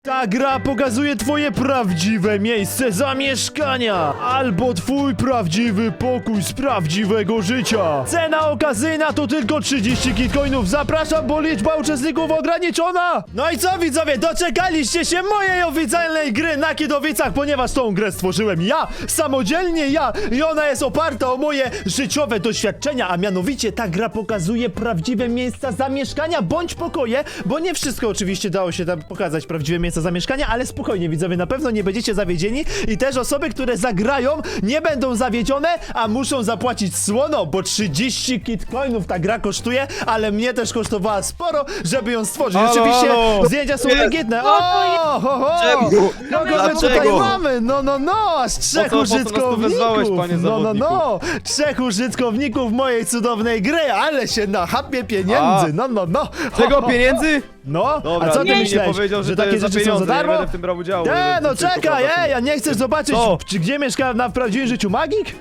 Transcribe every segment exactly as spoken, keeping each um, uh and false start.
Ta gra pokazuje twoje prawdziwe miejsce zamieszkania albo twój prawdziwy pokój z prawdziwego życia. Cena okazyjna to tylko trzydzieści kitcoinów. Zapraszam, bo liczba uczestników ograniczona. No i co, widzowie, doczekaliście się mojej oficjalnej gry na Kidowicach, ponieważ tą grę stworzyłem ja, samodzielnie ja, i ona jest oparta o moje życiowe doświadczenia, a mianowicie ta gra pokazuje prawdziwe miejsca zamieszkania bądź pokoje, bo nie wszystko oczywiście dało się tam pokazać prawdziwe miejsca zamieszkania, ale spokojnie, widzowie, na pewno nie będziecie zawiedzieni i też osoby, które zagrają, nie będą zawiedzione, a muszą zapłacić słono, bo trzydzieści kitcoinów ta gra kosztuje, ale mnie też kosztowała sporo, żeby ją stworzyć. Halo, Oczywiście halo. zdjęcia są Jest. legitne. O, ho, ho. Czemu? Kogo my tutaj Dlaczego? mamy? No, no, no, aż trzech Po co- po co nas tu wezwałeś, użytkowników. panie No, no, zawodniku? no, trzech użytkowników mojej cudownej gry, ale się nachapie pieniędzy. A. No, no, no. Czego, pieniędzy? No, Dobra, a co ty nikt mi myślałeś, nie powiedział, że, że to takie jest za rzeczy są pieniądze, za darmo? nie będę w tym brał udziału. Nie, będę no tylko czekaj, prawda, ej, a nie chcesz zobaczyć, Co? czy gdzie mieszka na prawdziwym życiu magik?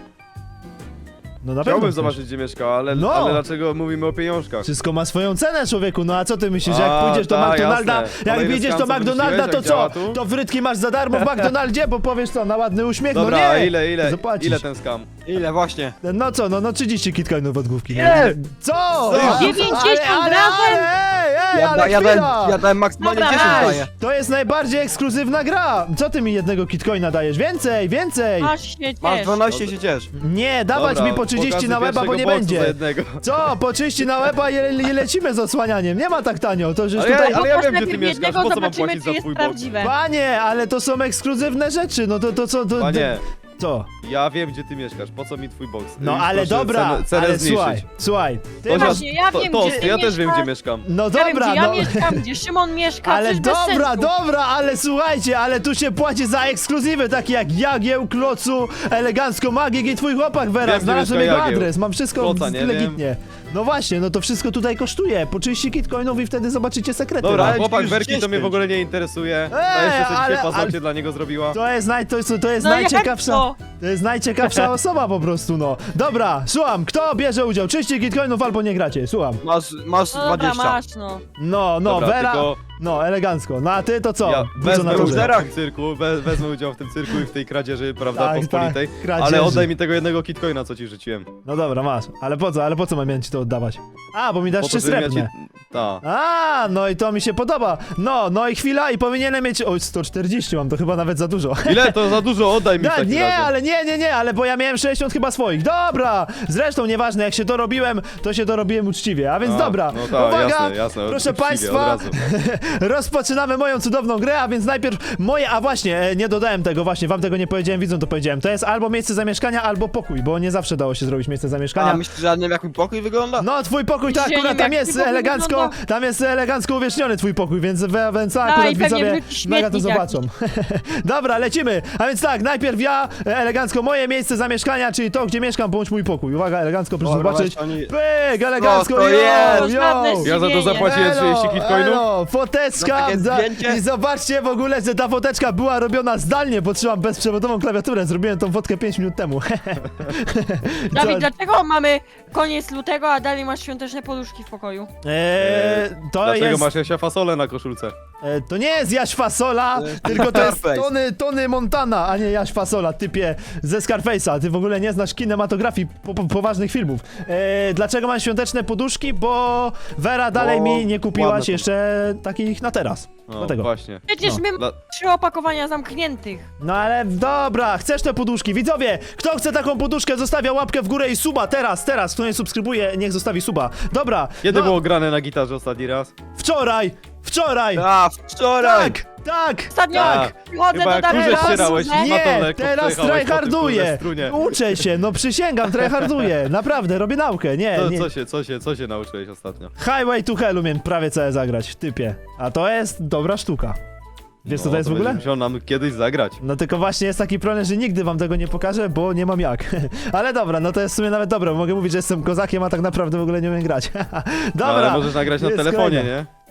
No na pewno Chciałbym chcesz. zobaczyć, gdzie mieszka, ale, No. ale dlaczego mówimy o pieniążkach? Wszystko ma swoją cenę, człowieku, no a co ty myślisz, że jak A, pójdziesz do ta, McDonalda, jasne. jak Kolejny wyjdziesz do skam, co McDonalda, to wymyśliłeś, co? jak działa tu? To frytki masz za darmo w McDonaldzie, bo powiesz co, na ładny uśmiech? Dobra, no a nie, ile, ile, zapłacisz. ile ten skam? Ile właśnie? No co, no, no trzydzieści kitcoinów od główki. no. Ile? Co? Co? dziewięćdziesiąt ale, ale, razem? ale, ej, ej, Ja, ale da, ja, dałem, chwila! ja dałem maksymalnie Dobra, dziesięć weź. daję. To jest najbardziej ekskluzywna gra. Co ty mi jednego kitcoina dajesz? Więcej, więcej! Aż się Masz ciesz. dwanaście, się ciesz. Nie, dawać Dobra, mi po trzydzieści pokażę na łeba, bo pierwszego nie boksu będzie. za jednego. Co? Po trzydzieści na łeba i, i lecimy z osłanianiem. Nie ma tak tanio. To już Ale tutaj... ja, ale ja Pokaż wiem, gdzie ty najpierw mieszkasz, jednego, po co mam zobaczymy, płacić czy za jest twój boks? prawdziwe. Panie, ale to są ekskluzywne rzeczy. No to, to co? To, Panie, Co? ja wiem, gdzie ty mieszkasz, po co mi twój boks? No Już ale proszę dobra, cenę, cenę ale zmniejszyć. słuchaj, słuchaj. Ty To, masz... Właśnie, ja to, wiem, to, gdzie ty ja też wiem, mieszkasz. gdzie mieszkam. No Ja wiem, dobra, gdzie ja no... mieszkam, gdzie Szymon mieszka, Ale coś bez dobra, sensu. dobra, ale słuchajcie, ale tu się płaci za ekskluzywy, takie jak Jagieł, Klocu, Elegancko Magik i twój chłopak Vera. Wiem, gdzie Znalazłem mieszka jego Jagieł. adres, mam wszystko Kloca nie legitnie. No właśnie, no to wszystko tutaj kosztuje. Po trzydzieści kitcoinów i wtedy zobaczycie sekrety. Dobra, no. ale chłopak już Werki to mnie dziesięć. w ogóle nie interesuje. A Eee, jeszcze co ale- dzisiaj paznokcie ale- dla niego zrobiła. To jest, naj, to jest, to jest No jak najciekawsza. to? To jest najciekawsza osoba po prostu, no. Dobra, słucham, kto bierze udział? trzydzieści kitcoinów albo nie gracie, słucham. Masz, masz No dobra, dwadzieścia. masz no. No, no, Dobra, Vera. tylko No, elegancko. No a ty to co? ja Wódzu wezmę na udział torze. w tym cyrku, we, wezmę udział w tym cyrku i w tej kradzieży, prawda, Tak, pospolitej. tak, kradzieży. Ale oddaj mi tego jednego kitcoina, co ci rzuciłem. No dobra, masz. Ale po co? Ale po co mam mieć ci to oddawać? A, bo mi dasz Po trzy to, żebym ja srebrne. ci... Ta. A, no i to mi się podoba. No, no i chwila i powinienem mieć... Oj, sto czterdzieści mam, to chyba nawet za dużo. Ile? To za dużo, oddaj mi w No, takim nie, razie. ale nie, nie, nie, ale bo ja miałem sześćdziesiąt chyba swoich. Dobra! Zresztą nieważne, jak się to robiłem, to się to robiłem uczciwie. A więc A, dobra, no tak, uwaga, jasne, jasne, proszę uczciwie, państwa, od razu. rozpoczynamy moją cudowną grę, a więc najpierw moje, a właśnie, e, nie dodałem tego, właśnie, wam tego nie powiedziałem, widzą to powiedziałem. To jest albo miejsce zamieszkania, albo pokój, bo nie zawsze dało się zrobić miejsce zamieszkania. A myślisz, że ja nie wiem, jak mój pokój wygląda? No, twój pokój to Dzisiaj akurat nie tam wiem, jak jest twój pokój elegancko, wygląda. tam jest elegancko uwieczniony twój pokój, więc, we- więc A, akurat i pewnie widzowie wrzuci mega to śmietnik zobaczą. Dobra, lecimy. A więc tak, najpierw ja, e, elegancko moje miejsce zamieszkania, czyli to, gdzie mieszkam, bądź mój pokój. Uwaga, elegancko, proszę Dobra, zobaczyć. weź, oni- Pyk, elegancko, to yo, jest? yo. Żadne Ja za to zdziwienie. zapłaciłem trzydzieści kitcoinów. elo, foteczka, Za takie za, zdjęcie? i zobaczcie w ogóle, że ta foteczka była robiona zdalnie, bo trzymam bezprzewodową klawiaturę, zrobiłem tą fotkę pięć minut temu. Dawid, Co- dlaczego mamy koniec lutego, a dalej masz świąteczne poduszki w pokoju? Eee, to Dlaczego jest... masz Jasia fasolę na koszulce? E, to nie jest Jaś Fasola, To jest tylko to jest Scarface. Tony, Tony Montana, a nie Jaś Fasola, typie ze Scarface'a. Ty w ogóle nie znasz kinematografii po, po, poważnych filmów. E, dlaczego mam świąteczne poduszki? Bo Vera dalej Bo mi nie kupiłaś ładne to. jeszcze takich na teraz. No, Dlatego. właśnie. Przecież No. my mamy Dla... trzy opakowania zamkniętych. No ale dobra, chcesz te poduszki. Widzowie, kto chce taką poduszkę, zostawia łapkę w górę i suba teraz, teraz. Kto nie subskrybuje, niech zostawi suba. Dobra. Kiedy no, było grane na gitarze ostatni raz? Wczoraj, wczoraj. A, wczoraj! Tak, tak. Ostatnio Tak. przychodzę Chyba do jak Dawida. kurze Teraz- ścierałeś i Nie, matą lekko teraz przejechałeś po tym, tryharduję. kurde, strunie. Uczę się, no przysięgam, tryharduję. Naprawdę, robię naukę, nie, Co, nie. co się, co się, co się nauczyłeś ostatnio? Highway to Hell umiem prawie całe zagrać w typie. A to jest dobra sztuka. Wiesz co No, to jest w ogóle? będziesz musiał nam kiedyś zagrać. No tylko właśnie jest taki problem, że nigdy wam tego nie pokażę, bo nie mam jak. Ale dobra, no to jest w sumie nawet dobre, bo mogę mówić, że jestem kozakiem, a tak naprawdę w ogóle nie umiem grać. No, Dobra. ale możesz nagrać na jest telefonie, kolejna. nie?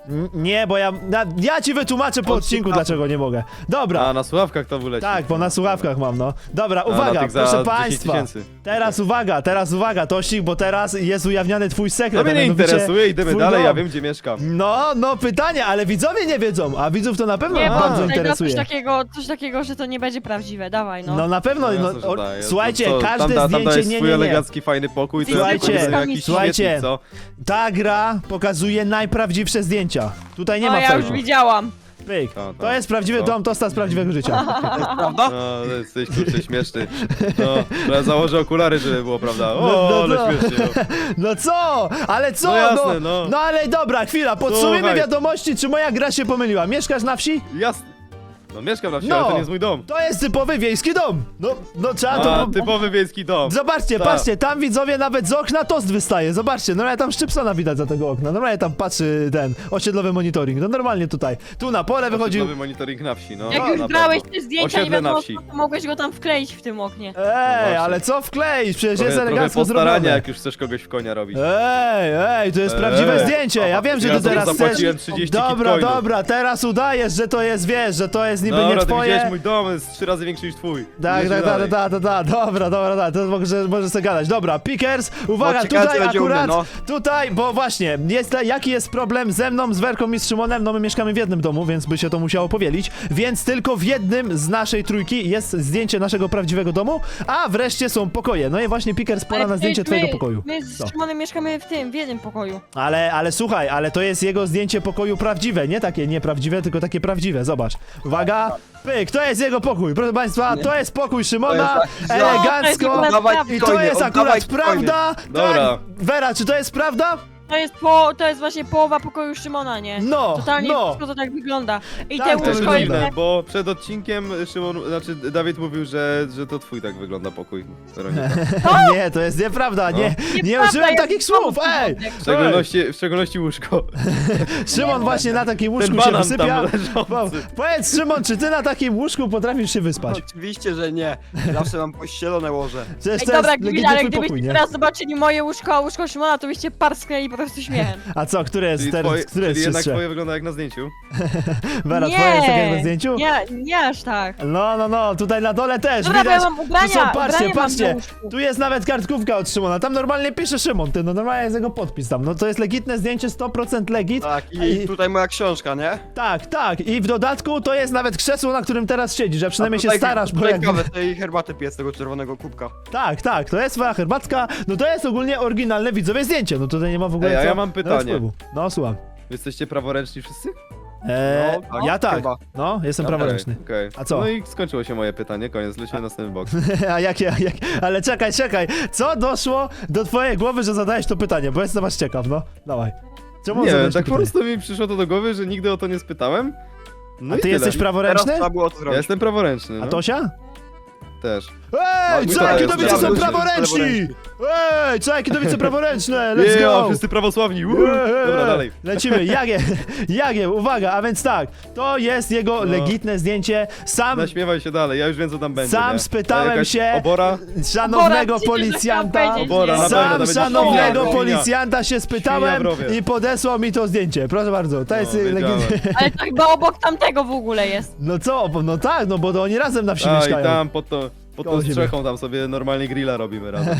N- Nie, bo ja, na, ja ci wytłumaczę po On odcinku, słucha- dlaczego nie mogę. Dobra, A, na słuchawkach to wyleci. tak, bo na słuchawkach mam, no. Dobra, A, na uwaga, tych za proszę dziesięć państwa. tysięcy. Teraz uwaga, teraz uwaga, Tościk, bo teraz jest ujawniany twój To sekret. mnie a nie mianowicie interesuje, idziemy twój dalej, dom. ja wiem gdzie mieszkam. No, no pytanie, ale widzowie nie wiedzą, a widzów to na pewno Nie, bo bardzo tutaj da coś interesuje. takiego, coś takiego, że to nie będzie prawdziwe, dawaj no. No na pewno, No, no, jasne, że o, daję. słuchajcie, Co, każde tam, da- tam zdjęcie, dajesz nie, swój nie, nie. elegancki, fajny pokój, to Słuchajcie, ja tylko jakiś słuchajcie. śmietnik, co? Ta gra pokazuje najprawdziwsze zdjęcia. Tutaj nie No ma ja już fejku. widziałam. Pyk. To, to. To jest prawdziwy Co? dom Tosta z prawdziwego życia. Prawda? No, to jesteś kurczę śmieszny. No, ja założę okulary, żeby było, prawda? O, No, no, ale no. śmiesznie. No. No co? Ale co? No jasne, no. no ale dobra, chwila, podsumujmy Słuchaj. wiadomości, czy moja gra się pomyliła. Mieszkasz na wsi? Jasne. No mieszkam na wsi, No. ale to nie jest mój dom. To jest typowy wiejski dom. No, no trzeba to... A, typowy wiejski dom. Zobaczcie, Tak. patrzcie, tam widzowie nawet z okna tost wystaje. Zobaczcie, normalnie tam Szczypsona widać za tego okna. Normalnie tam patrzy ten osiedlowy monitoring. No normalnie tutaj. Tu na pole wychodził. Nowy monitoring na wsi, no. Jak na już pewno. brałeś te zdjęcia, nie Osiedle na wiadomo, wsi. to mogłeś go tam wkleić w tym oknie. Ej, właśnie. ale co wkleić? Przecież Trochę, jest trochę elegancko postarania, zrobione. jak już chcesz kogoś w konia robić. Ej, ej, to jest Ej. prawdziwe zdjęcie. Ja wiem, że Ja ty teraz za to chcesz... zapłaciłem trzydzieści Dobra, kitcoinów. dobra, teraz udajesz, że to jest, wiesz, że to jest niby Dobra, nie ty twoje. widziałeś mój dom, jest trzy razy większy niż twój. Tak, Jedziemy tak, tak, dalej. tak, tak, tak, dobra, dobra, dobra, to może, może sobie gadać. Dobra, Pickers, uwaga, No, ciekawe, tutaj co będzie u mnie, akurat, no. tutaj, bo właśnie, jest, jaki jest problem ze mną, z Werką i z Szymonem? No my mieszkamy w jednym domu, więc by się to musiało powielić, więc tylko w jednym z naszej trójki jest zdjęcie naszego prawdziwego domu, a wreszcie są pokoje. No i właśnie Pickers, pora Ale na zdjęcie przecież twojego my, pokoju. My Co? z Szymonem mieszkamy w tym, w jednym pokoju. Ale, ale słuchaj, ale to jest jego zdjęcie pokoju prawdziwe, nie takie nieprawdziwe, tylko takie prawdziwe, zobacz. Uwaga, pyk, to jest jego pokój, proszę państwa, to jest pokój Szymona, To jest taki- elegancko. No, to jest Oddawaj I to coiny, jest oddawaj akurat coiny. prawda? Dobra. Tak? Vera, czy to jest prawda? To jest po, to jest właśnie połowa pokoju Szymona, nie? No, Totalnie no. wszystko to tak wygląda. I Tak, te to To jest jest łóżko jest dziwne. dziwne, bo przed odcinkiem Szymon, znaczy Dawid mówił, że, że to twój tak wygląda pokój, Weronika. Nie, to jest nieprawda, nie, nie Nieprawda, użyłem jest takich znowu słów, ej! porządek. W szczególności, w szczególności łóżko. Szymon właśnie na takim łóżku Ten się banan wysypia. tam Po, leżący. powiedz Szymon, czy ty na takim łóżku potrafisz się wyspać? Oczywiście, że nie. Zawsze mam pościelone łoże. Przecież Ej, to dobra, jest gdyby, legitny ale twój gdybyście pokój, nie? teraz zobaczyli moje łóżko, a łóżko Szymona, to byście parsknęli po prostu śmiechem. A co, które jest Czyli, teraz, twoje, które jest czyli jednak czystsze? twoje wygląda jak na zdjęciu. Vera, nie, twoje jest takie jak na zdjęciu? Nie, nie aż tak. No, no, no, tutaj na dole też, Dobra, bo ja widać. mam ubrania, tu są, patrzcie, ubrania mam patrzcie, na łóżku. tu jest nawet kartkówka od Szymona, tam normalnie pisze Szymon, ty, no normalnie jest jego podpis tam, no to jest legitne zdjęcie, sto procent legit. Tak, I- i tutaj moja książka, nie? Tak, tak, i w dodatku to jest nawet krzesło, na którym teraz siedzisz, a przynajmniej A się tutaj- starasz, bo tutaj jak... kawę, tej herbaty piję z tego czerwonego kubka. Tak, tak, to jest twoja herbatka, no to jest ogólnie oryginalne widzowie zdjęcie, no tutaj nie ma w ogóle Ej, a co ja mam nawet pytanie. wpływu. No, słucham. Wy jesteście praworęczni wszyscy? Eee, No, tak, ja tak, chyba. no, jestem Okej, praworęczny. okej. A co? No i skończyło się moje pytanie, koniec, lecimy na następny boks. A jakie, jak, ale czekaj, czekaj, co doszło do twojej głowy, że zadałeś to pytanie, bo jestem aż ciekaw, no, dawaj. Czemu Nie wiem, zadałeś to tak po pytanie? prostu mi przyszło to do głowy, że nigdy o to nie spytałem. No A i ty tyle. jesteś Teraz praworęczny? trzeba było to Ja zrobić. jestem praworęczny, A no. Tosia? Też. Ej, No, co, to jakie jest dowice są praworęczny, praworęczni! Ej, co, jakie dowice praworęczne, let's Yeah, go! wszyscy prawosławni, uuu. Eee, Dobra, dalej. Lecimy, Jagie, Jagie, uwaga, a więc tak, to jest jego No. legitne zdjęcie, sam, Naśmiewaj się dalej, ja już wiem co tam będzie, sam nie? spytałem A jakaś się Obora? szanownego Obora, policjanta, przecież chciałam Obora, powiedzieć, na nie? pewno, sam to będzie szanownego świnia. policjanta się spytałem Świnia w rowie. i podesłał mi to zdjęcie, proszę bardzo, to jest No, wiedziałem. legitne. Ale to chyba obok tamtego w ogóle jest. No co, no tak, no bo to oni razem na wsi A i mieszkają. tam pod, to, pod Koło tą siebie. strzechą tam sobie normalnie grilla robimy razem.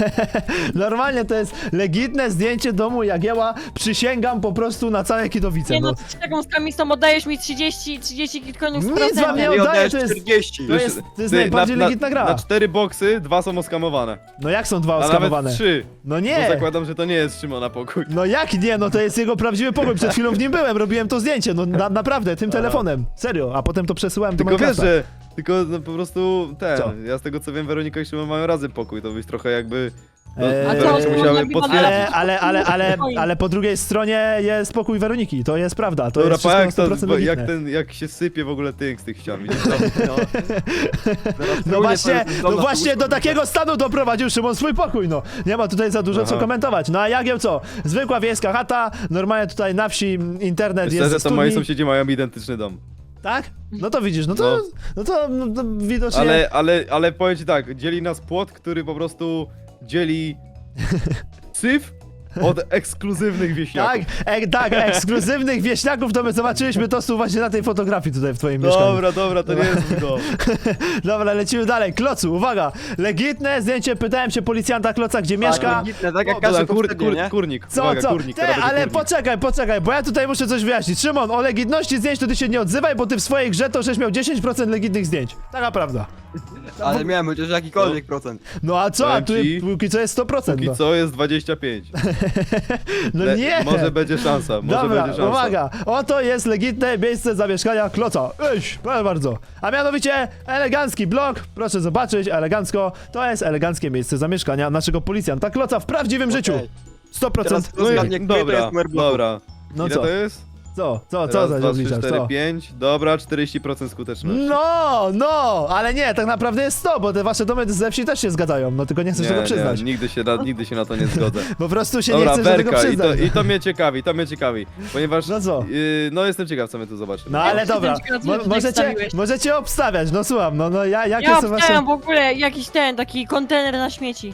Normalnie to jest legitne zdjęcie domu Jagieła, przysięgam po prostu na całe Kidowice. Nie No. no, z taką skamistą oddajesz mi trzydzieści, trzydzieści kitcoinów z Nic wam procentem. nie Nie oddaję, oddajesz to jest- czterdzieści. to jest- Ty, najbardziej legitna gra. Na cztery boksy, dwa są oskamowane. No jak są dwa A oskamowane? nawet trzy. No Bo nie! zakładam, że to nie jest Szymona pokój. No jak nie, no to jest jego prawdziwy pokój, przed chwilą w nim byłem, robiłem to zdjęcie, no na, naprawdę, tym Aha. telefonem, serio, a potem to przesyłałem do Tylko wiesz, Minecrafta. że... Tylko no, po prostu ten, Co? ja z tego co wiem, Weronika i Szymon mają razem pokój, to byś trochę jakby... No, Eee, A co, Weronika Szymon musiały robi potwierdzić. Ale, ale, ale, ale, Spokojnie. ale po drugiej stronie jest pokój Weroniki, to jest prawda, to Dobra, jest pa, wszystko na jak, sto to, procent bo, jak, legitne. ten, jak się sypie w ogóle tynk z tych ścian, widzisz to? No. Teraz No pełnię właśnie, to jest no dom na właśnie łóżko. do takiego stanu doprowadził Szymon swój pokój, no. Nie ma tutaj za dużo co Aha. komentować. No a Jagieł co? Zwykła wiejska chata, normalnie tutaj na wsi m, internet jest Szczerze, ze to moi studni. sąsiedzi mają identyczny dom. Tak? No to widzisz, no to, no to, no to widocznie... Ale, ale, ale powiem ci tak, dzieli nas płot, który po prostu dzieli syf Od ekskluzywnych Tak, wieśniaków. e, tak, ekskluzywnych wieśniaków to my zobaczyliśmy to tu właśnie na tej fotografii tutaj w twoim mieszkaniu. Dobra, dobra, to nie jest mój dom. Dobra, lecimy dalej. Klocu, uwaga! Legitne zdjęcie, pytałem się policjanta Kloca, gdzie mieszka. Legitne, tak jak O, każdy dobra, kur, poprzedni, kur, nie? kurnik, Co, uwaga, co? kurnik, Ty, teraz będzie ale kurnik. poczekaj, poczekaj, bo ja tutaj muszę coś wyjaśnić. Szymon, o legitności zdjęć to ty się nie odzywaj, bo ty w swojej grze to żeś miał dziesięć procent legitnych zdjęć. Taka prawda. Ale miałem chociaż jakikolwiek procent. No a co? A Powiem tu ci, póki co jest sto procent. Póki No, co jest dwadzieścia pięć. no Le- nie! Może będzie szansa, może Dobra, będzie szansa. uwaga! Oto jest legitne miejsce zamieszkania Kloca. Eś, proszę bardzo. A mianowicie elegancki blok, proszę zobaczyć, elegancko. To jest eleganckie miejsce zamieszkania naszego policjanta Kloca w prawdziwym Okej. życiu. sto procent. Teraz rozgadnie, który to Dobra, jest numer bloku. dobra. No Ile co? to jest? Co? Co? Co Raz, za dwa, trzy, obliczasz? cztery, Co? pięć. Dobra, czterdzieści procent skuteczności. No, no, ale nie, tak naprawdę jest sto, bo te wasze domy ze wsi też się zgadzają, no tylko nie chcesz tego przyznać. Nie, nigdy się na, nigdy się na to nie zgodzę. Po prostu się nie Dobra, chcesz do tego Berka, i przyznać. to, i to mnie ciekawi, to mnie ciekawi, ponieważ... No co? Yy, no jestem ciekaw, co my tu zobaczymy. No ale Ja dobra, jestem ciekawa, mo co możecie, wstawiłeś. możecie obstawiać, no słucham, no, no ja, jakie Ja są wasze... obstawiam w ogóle jakiś ten, taki kontener na śmieci.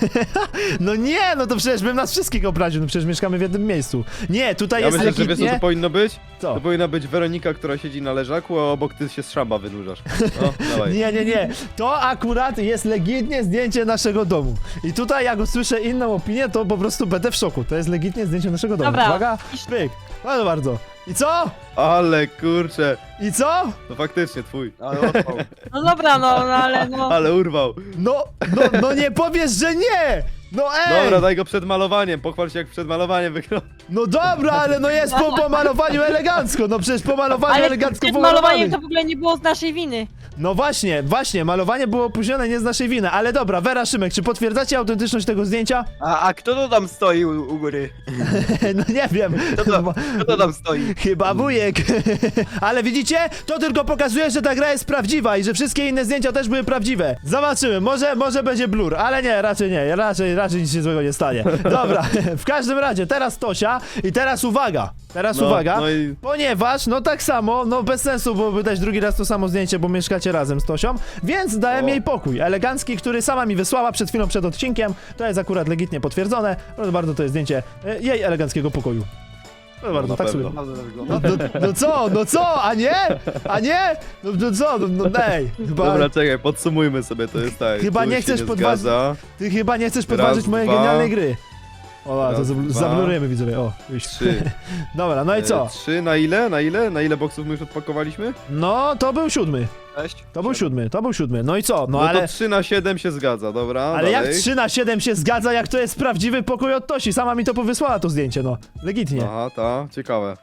No nie, no to przecież bym nas wszystkich obraził, no przecież mieszkamy w jednym miejscu. Nie, tutaj Ja jest myślę, że wiesz co legitnie... to powinno być? Co? To powinna być Weronika, która siedzi na leżaku, a obok ty się z szamba wynurzasz. No, dawaj. Nie, nie, nie. To akurat jest legitnie zdjęcie naszego domu. I tutaj jak usłyszę inną opinię, to po prostu będę w szoku. To jest legitnie zdjęcie naszego domu. Dobra. Uwaga, pyk. Bardzo, bardzo. I co? Ale kurczę, I co? to faktycznie twój. Ale odpał. No dobra, no, no ale no. Ale urwał. No, no, no nie powiesz, że nie! No ej! Dobra, daj go przed malowaniem, pochwal się jak przed malowaniem wygląda. No dobra, ale no jest po pomalowaniu elegancko. No przecież po malowaniu Ale elegancko przed pomalowany. malowaniem to w ogóle nie było z naszej winy. No właśnie, właśnie, malowanie było opóźnione nie z naszej winy. Ale dobra, Wera, Szymek, czy potwierdzacie autentyczność tego zdjęcia? A, a kto to tam stoi u, u góry? No nie wiem. Kto to, kto to tam stoi? Chyba wujek. Ale widzicie? To tylko pokazuje, że ta gra jest prawdziwa i że wszystkie inne zdjęcia też były prawdziwe. Zobaczymy, może, może będzie blur, ale nie, raczej nie, raczej, raczej nic się złego nie stanie. Dobra, w każdym razie, teraz Tosia i teraz uwaga, teraz No, uwaga, no i- ponieważ, no tak samo, no bez sensu byłoby dać drugi raz to samo zdjęcie, bo mieszkacie razem z Tosią, więc dałem O. jej pokój, elegancki, który sama mi wysłała przed chwilą przed odcinkiem, to jest akurat legitnie potwierdzone, proszę bardzo, to jest zdjęcie e, jej eleganckiego pokoju. Proszę bardzo, na tak sobie... pewno. Naprawdę to wygląda. No, no, no co, no co, a nie? A nie? No, no co, no, no ej, chyba, Dobra, czekaj, podsumujmy sobie, to jest tak. Chyba tu nie się chcesz nie podważyć- zgadza. ty chyba nie chcesz podważyć mojej dwa. genialnej gry. O, a, to Raz, zabl- dwa. zablurujemy widzowie, o. już. Trzy. Dobra, no i co? E, Trzy, na ile? Na ile? Na ile boksów my już odpakowaliśmy? No, to był siódmy, Cześć. to był siódmy, to był siódmy, no i co? No No, ale... to trzy na siedem się zgadza, dobra, Ale jak dalej. trzy na siedem się zgadza, jak to jest prawdziwy pokój od Tosi? Sama mi to powysłała to zdjęcie, no. Legitnie. Aha, ta, ciekawe.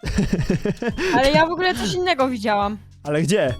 Ale ja w ogóle coś innego widziałam. Ale gdzie?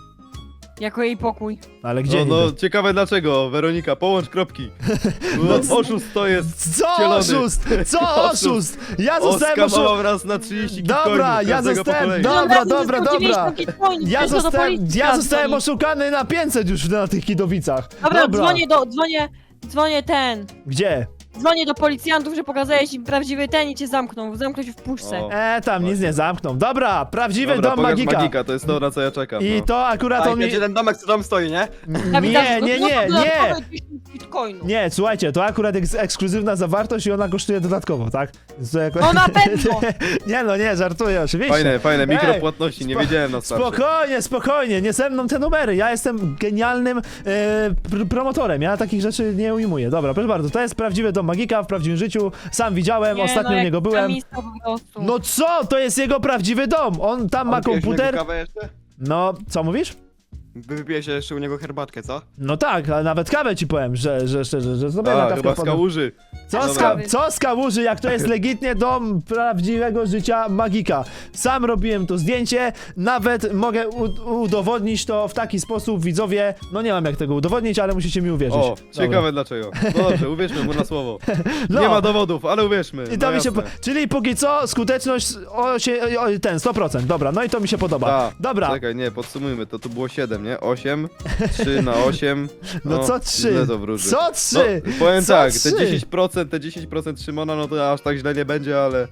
Jako jej pokój. Ale gdzie No, no, niby? ciekawe dlaczego, Weronika, połącz kropki. No, oszust to jest Co wcielony. oszust? Co Oszust. oszust? Ja zostałem oszust... Oskamował raz na trzydzieści Dobra, kitcoinów ja każdego po zostałem- kolei. Dobra, Dobra, dobra, zyskał dobra. dziewięćdziesiąt bitcoinów, Ja weź to do zostałem, policji ja zostałem zadzwoń. oszukany na pięćset już na tych Kidowicach. Dobra, dzwonię do, dzwonię, dzwonię ten. Gdzie? Dzwonię do policjantów, że pokazałeś im prawdziwy ten i cię zamknął. Zamknął cię w puszce. O. E, tam nic nie zamkną. Dobra, prawdziwy Dobra, dom pokaż magika. magika, to jest to, na co ja czekam. I no. to akurat A on i mi... będzie ten domek, co tam stoi, nie? Ja widzę, Nie, że nie, no nie, to nie. dodatkowe dziesięć bitcoinów. Nie, słuchajcie, to akurat jest ekskluzywna zawartość i ona kosztuje dodatkowo, tak? Więc to jako... No na pewno. Nie no, nie, żartuję oczywiście. Fajne, fajne, Ej, mikropłatności, nie spo- wiedziałem na starcie. Spokojnie, spokojnie, nie ze mną te numery. Ja jestem genialnym e, pr promotorem. Ja takich rzeczy nie ujmuję. Dobra, proszę bardzo, to jest prawdziwy dom magika w prawdziwym życiu. Sam widziałem, Nie, ostatnio no, u jak niego byłem. kamista po prostu. No co? To jest jego prawdziwy dom. On tam ma A wypijesz u komputer. niego kawę jeszcze? No, co mówisz? Wy wypijesz jeszcze u niego herbatkę, co? No tak, ale nawet kawę ci powiem, że, że szczerze, że sobie na A, kawkę chyba z wpadłem. kałuży. Co z, Dobra. ka- co z kałuży, jak to jest legitnie dom prawdziwego życia magika. Sam robiłem to zdjęcie, nawet mogę u- udowodnić to w taki sposób, widzowie, no nie mam jak tego udowodnić, ale musicie mi uwierzyć. O, Dobra. ciekawe dlaczego. No dobrze, uwierzmy mu na słowo. No. Nie ma dowodów, ale uwierzmy. I to no mi się po- jasne. Czyli póki co skuteczność o, się, o, ten sto procent, dobra, no i to mi się podoba. Ta, Dobra, Czekaj, nie, podsumujmy, to tu było siedem, nie? osiem, trzy na osiem. No co trzy? Źle to wróży. Co No, trzy? powiem Co tak, trzy? te dziesięć procent, te dziesięć procent Szymona, no to aż tak źle nie będzie, ale...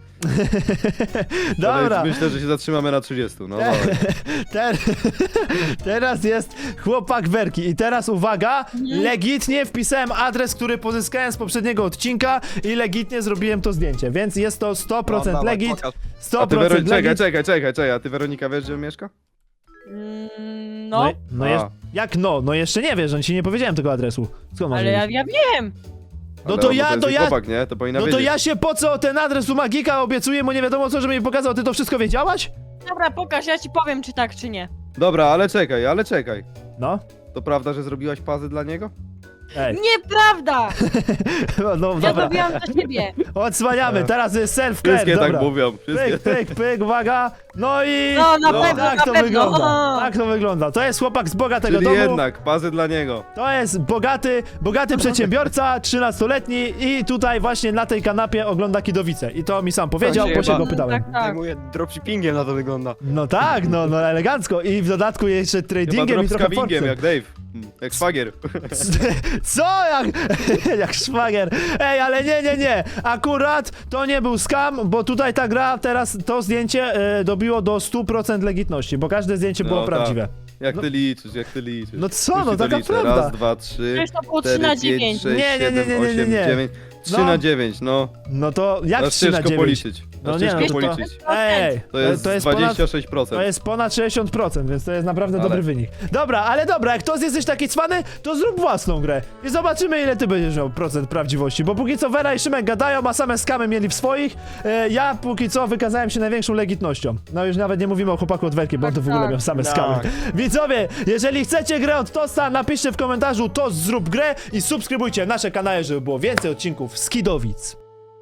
Dobra. ale myślę, że się zatrzymamy na trzydziestu, no Te- dawaj. Ter teraz jest chłopak Werki i teraz uwaga, Mhm. legitnie wpisałem adres, który pozyskałem z poprzedniego odcinka i legitnie zrobiłem to zdjęcie, więc jest to sto procent No, dawaj, legit, pokaż. sto A ty Wero... procent Czekaj, legit. czekaj, czekaj, czekaj, a ty Weronika wiesz, gdzie on mieszka? Mm, No, no, no A. jest, jak no? No jeszcze nie wiesz, on ci nie powiedziałem tego adresu. Skąd masz ale ja, wiedzieć? ja wiem. No Ale to on- ja- jest to jej ja- chłopak, nie? To powinna No to wiedzieć. ja się po co ten adres u Magika obiecuję mu nie wiadomo co, żeby mi pokazał, ty to wszystko wiedziałaś? Dobra, pokaż, ja ci powiem, czy tak, czy nie. Dobra, ale czekaj, ale czekaj. No, To prawda, że zrobiłaś pazy dla niego? ej, Nieprawda! no Ja dobra, zrobiłam dla ciebie. odsłaniamy, teraz jest self-care, Wszystkie dobra. tak mówią. Wszystkie. Pyk, pyk, pyk, uwaga. No i... No, na No, pewno, tak na to pewno. wygląda. O. Tak to wygląda. To jest chłopak z bogatego Czyli domu. jednak, pazy dla niego. To jest bogaty, bogaty przedsiębiorca, trzynastoletni i tutaj właśnie na tej kanapie ogląda Kidowice. I to mi sam powiedział, się bo się chyba- go pytałem. Tak, tak. Zajmuję dropshippingiem, na to wygląda. No tak, no, no elegancko. I w dodatku jeszcze Chyba tradingiem i trochę dropscavingiem, porcją. jak Dave. Hmm, Jak szwagier. Co? Jak, jak szwagier. Ej, ale nie, nie, nie. Akurat to nie był scam, bo tutaj ta gra, teraz to zdjęcie e, dobiło do stu procent legitności, bo każde zdjęcie było No tak. prawdziwe. Jak No- ty liczysz, jak ty liczysz. No co, Już no ci to taka liczę. prawda. Raz, dwa, trzy, Przecież to było trzy cztery, na pięć, dziewięć. sześć, Nie, nie, nie, siedem, nie, nie, osiem, nie. dziewięć. trzy No. na dziewięć, no. No to jak Aż trzy na ciężko dziewięć? policzyć. No Aż nie, ciężko no to- policzyć. Ej, To jest, to jest ponad... dwadzieścia sześć procent. To jest ponad sześćdziesiąt procent, więc to jest naprawdę Ale- dobry wynik. Dobra, ale dobra, jak to jesteś taki cwany, to zrób własną grę. I zobaczymy, ile ty będziesz miał procent prawdziwości. Bo póki co Vera i Szymek gadają, a same skamy mieli w swoich. E, ja póki co wykazałem się największą legitnością. No już nawet nie mówimy o chłopaku od Werki, bo on to w ogóle Tak, miał same tak. skamy. Widzowie, jeżeli chcecie grę od Tosta, napiszcie w komentarzu to zrób grę i subskrybujcie nasze kanały, żeby było więcej odcinków z Kidowic.